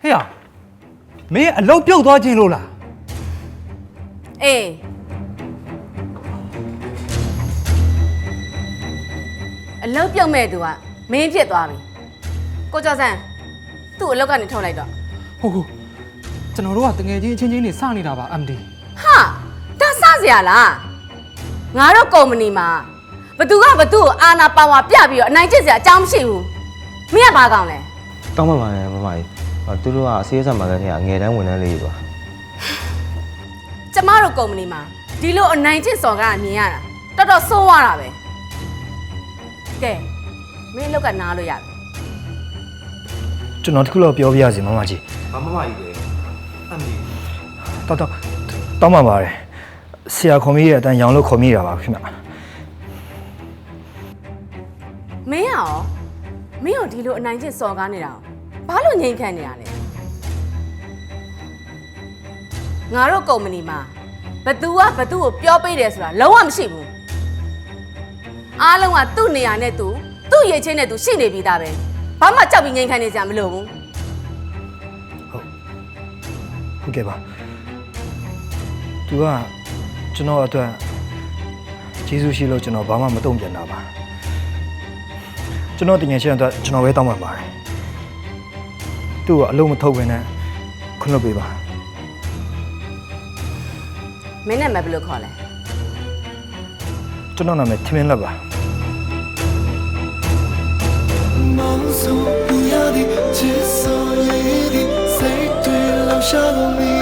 ဟဲ့မင်းအလုပ်ပြုတ်သွားခြင်းလို့လားအေးအလုပ်ပြုတ်မဲ့သူကမင်းဖြစ်သွားပြီကိုကျော်စံသူ့အလုပ်ကနေထုတ်လိုက်တော့ဟုတ်ကျွန်တော်တို့ကတငယ်ချင်းအချင်းချင်းနေစနေတာပါ MD ဟာဒါစစရာလားငါတို့ကုမ္ပဏီမှာဘသူ့ကိုအာနာပါဝါပြပြီးတော့အနိုင်ကျင့်စရာအကြောင်းမရှိဘူးမင်းကဘာကောင်းလဲတောင်းပန်ပါတယ်မမကြီးသူတို့ကအစီအစဉ်မှာလည်းငယ်တန်းဝန်ထမ်းလေးတွေပါကျမတို့ကုမ္ပဏီမှာဒီလိုအနိုင်ကျင့်စော်ကားမြင်ရတာတော်တော်ဆိုးရတာပဲကဲမင်းအလုပ်ကနားလို့ရတယ်ကျွန်တော်တခုတော့ပြောပြရစီမမကြီးမမကြီးလေအမေတောင်းပန်ပါတယ်ဆရာခေါ်မိရဲ့အတန်းရောင်လို့ခေါ်မိတာပါခင်ဗျမင်းရောဒီလိုအနိုင်ကျင့်စော်ကားနေတာဘာလို့ငြိမ်ခံနေရလဲငါတို့ကုမ္ပဏီမှာဘသူကိုပြောပေးတယ်ဆိုတာလုံးဝမရှိဘူးအားလုံးကသူ့နေရာနဲ့သူ့ရည်ချင်းနဲ့သူရှိနေပြီးသားပဲဘာမှကြောက်ပြီးငြိမ်ခံနေကြမလို့ဘူးဟုတ်ကဲ့ပါသူကကျွန်တော်အတွက်ကျေးဇူးရှိလို့ကျွန်တော်ဘာမှမတုံ့ပြန်တာပါကျွန်တော်တင်ငယ်ချင်းအတွက်ကျွန်တော်ပဲတောင်းပန်ပါတယ်သူ့ကိုအလုံးမထုတ်ဘဲနဲ့ခွင့်လွှတ်ပေးပါမင်းနဲ့မဘယ်လိုခေါ်လဲကျွန်တော်နာမည်ထမင်းလက်ပါ梦送不要的，只所夜的，谁对留下了你。